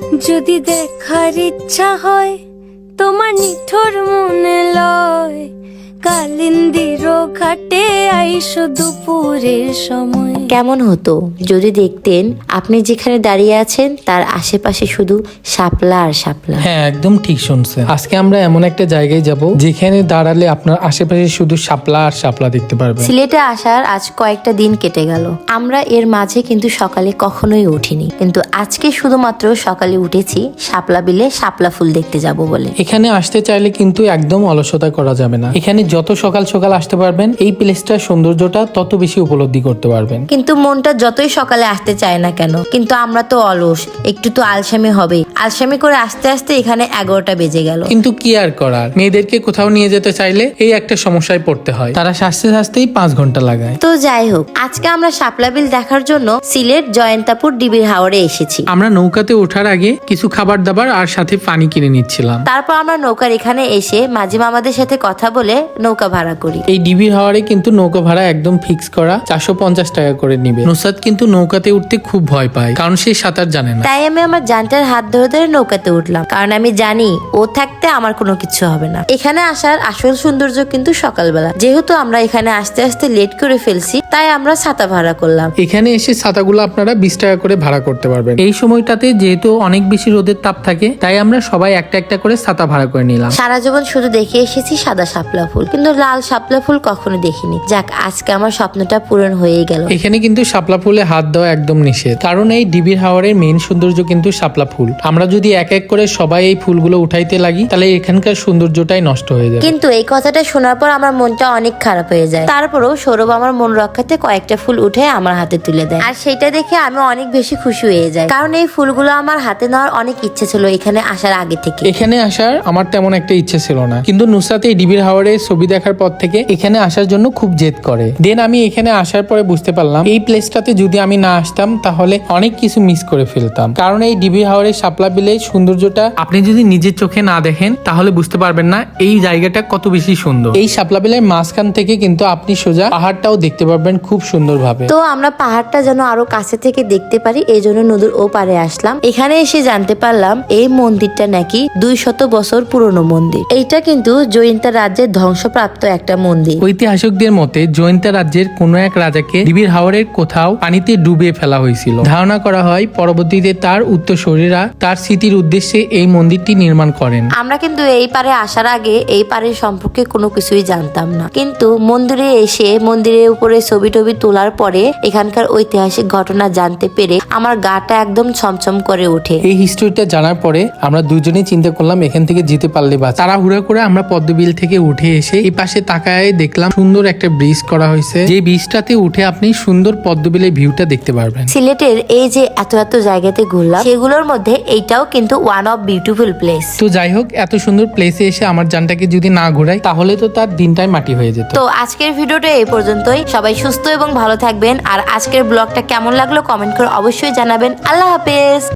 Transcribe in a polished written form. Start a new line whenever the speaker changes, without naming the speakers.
যদি দেখার ইচ্ছা হয় তোমার নিঠোর মনে লয়, কালিন্দির ঘাটে আইসো দুপুরের সময়।
কেমন হতো যদি দেখতেন আপনি যেখানে দাঁড়িয়ে আছেন তার আশেপাশে শুধু শাপলা আর শাপলা।
হ্যাঁ, একদম ঠিক শুনছেন। আজকে আমরা এমন একটা জায়গায় যাব যেখানে দাঁড়ালে আপনার আশেপাশে শুধু শাপলা আর শাপলা দেখতে পারবেন।
সিলেটে আসার আজ কয়েকটা দিন কেটে গেল, আমরা এর মাঝে কিন্তু সকালে কখনোই উঠিনি, কিন্তু আজকে শুধুমাত্র সকালে উঠেছি শাপলা বিলে শাপলা ফুল দেখতে যাব বলে।
এখানে আসতে চাইলে কিন্তু একদম অলসতা করা যাবে না। এখানে যত সকাল সকাল আসতে পারবেন এই প্লেসটার সৌন্দর্যটা তত বেশি উপলব্ধি করতে পারবেন।
কিন্তু মনটা যতই সকালে আসতে চায় না কেন, কিন্তু আমরা তো অলস, একটু তো আলসামি হবে। আলসামি করে আস্তে আস্তে এখানে 11টা বেজে গেল।
কিন্তু কি আর করার, মেয়েদেরকে কোথাও নিয়ে যেতে চাইলে এই একটা সমস্যায় পড়তে হয়, তারা সাজতে সাজতেই 5 ঘন্টা লাগায়।
তো যাই হোক, আজকে আমরা শাপলা বিল দেখার জন্য সিলেট জয়ন্তাপুর ডিবির হাওরে এসেছি।
আমরা নৌকাতে ওঠার আগে কিছু খাবার দাবার আর সাথে পানি কিনে নিচ্ছিলাম।
তারপর আমরা নৌকার এখানে এসে মাঝি মামাদের সাথে কথা বলে নৌকা ভাড়া করি।
এই ডিবির হাওরে কিন্তু নৌকা ভাড়া একদম ফিক্স করা, 450 টাকা করে নিবে। নুসরাত কিন্তু নৌকাতে উঠতে খুব ভয় পায়, কারণ সে সাঁতার জানে না।
তাই আমি আমার জানটার হাত ধরে ধরে নৌকাতে উঠলাম, কারণ আমি জানি ও থাকতে আমার কোনো কিছু হবে না। এখানে আসার আসল সৌন্দর্য কিন্তু সকালবেলা। যেহেতু আমরা এখানে আসতে আসতে লেট করে ফেলছি, তাই আমরা ছাতা ভাড়া করলাম।
এখানে এসে ছাতাগুলো আপনারা 20 টাকা করে ভাড়া করতে পারবেন। এই সময়টাতে যেহেতু অনেক বেশি রোদের তাপ থাকে, তাই আমরা সবাই একটা একটা করে ছাতা ভাড়া করে নিলাম।
সারা জীবন শুধু দেখে এসেছি সাদা শাপলা ফুল, কিন্তু লাল শাপলা ফুল কখনো দেখিনি। যাক, আজকে আমার স্বপ্নটা পূরণ হয়েই গেল।
এখানে কিন্তু শাপলা ফুলে হাত দেওয়া একদম নিষেধ, কারণ এই ডিবির হাওরের মেইন সৌন্দর্য কিন্তু শাপলা ফুল। আমরা যদি এক এক করে সবাই এই ফুলগুলো উঠাইতে লাগি, তাহলে এখানকার সৌন্দর্যটাই নষ্ট হয়ে যায়।
কিন্তু এই কথাটা শোনার পর আমার মনটা অনেক খারাপ হয়ে যায়। তারপরেও সৌরভ আমার মন রক্ষাতে কয়েকটা ফুল উঠে আমার হাতে তুলে দেয়, আর সেটা দেখে আমি অনেক বেশি খুশি হয়ে যাই, কারণ এই ফুলগুলো আমার হাতে নেওয়ার অনেক ইচ্ছে ছিল এখানে আসার আগে থেকে।
এখানে আসার আমার তেমন একটা ইচ্ছে ছিল না, কিন্তু নুসরাত এই ডিবির হাওরে ছবি দেখার পর থেকে এখানে আসার জন্য খুব জেদ করে। দেন আমি এখানে আসার পরে বুঝতে পারলাম এই প্লেসটাতে যদি আমি না আসতাম তাহলে অনেক কিছু মিস করে ফেলতাম, কারণ এই ডিবির হাওরের শাপলা বিলের সৌন্দর্যটা আপনি যদি নিজের চোখে না দেখেন তাহলে বুঝতে পারবেন না এই জায়গাটা কত বেশি সুন্দর। এই শাপলা বিলের মাঝখান থেকে কিন্তু আপনি সোজা পাহাড়টাও দেখতে পারবেন খুব সুন্দরভাবে।
তো আমরা পাহাড়টা যেন আরো কাছে থেকে দেখতে পারি, এই জন্য নদীর ও পারে আসলাম। এখানে এসে জানতে পারলাম এই মন্দিরটা নাকি 200 বছর পুরনো মন্দির। এইটা কিন্তু জয়ন্তা রাজ্যের ধ্বংসপ্রাপ্ত একটা মন্দির।
ঐতিহাসিকদের মতে জয়ন্তা রাজ্যের কোন এক রাজাকে ডিবির হাওরের কোথাও পানিতে ডুবিয়ে ফেলা হয়েছিল। ধারণা করা হয় পরবর্তীতে তার উত্তরসূরিরা তার স্মৃতির উদ্দেশ্যে এই মন্দিরটি নির্মাণ করেন।
আমরা কিন্তু এই পারে আসার আগে এই পারের সম্পর্কে কোনো কিছুই জানতাম না, কিন্তু মন্দিরে এসে মন্দিরের উপরে ছবি টবি তোলার পরে এখানকার ঐতিহাসিক ঘটনা জানতে পেরে আমার গাটা একদম ছমছম করে ওঠে।
এই হিস্ট্রিটা জানার পরে আমরা দুজনেই চিন্তা করলাম এখান থেকে যেতে পারলে বা। তাড়াহুড়া করে আমরা পদ্মবিল থেকে উঠে এসে এই পাশে তাকায় দেখলাম সুন্দর একটা ব্রিজ করা হয়েছে, যে ব্রিজটাতে উঠে আপনি সুন্দর পদ্মবিলের ভিউটা দেখতে পারবেন।
সিলেটের এই যে এত এত জায়গাতে ঘুরলাম, সেগুলোর মধ্যে এইটাও কিন্তু ওয়ান অফ বিউটিফুল প্লেস।
তো যাই হোক, এত সুন্দর প্লেসে এসে আমার জানটাকে যদি না ঘোরাই তাহলে তো তার দিনটাই মাটি হয়ে যেত।
তো আজকের ভিডিওটা এই পর্যন্তই। সবাই সুস্থ এবং ভালো থাকবেন, আর আজকের ব্লগটা কেমন লাগলো কমেন্ট করে অবশ্যই জানাবেন। আল্লাহ হাফেজ।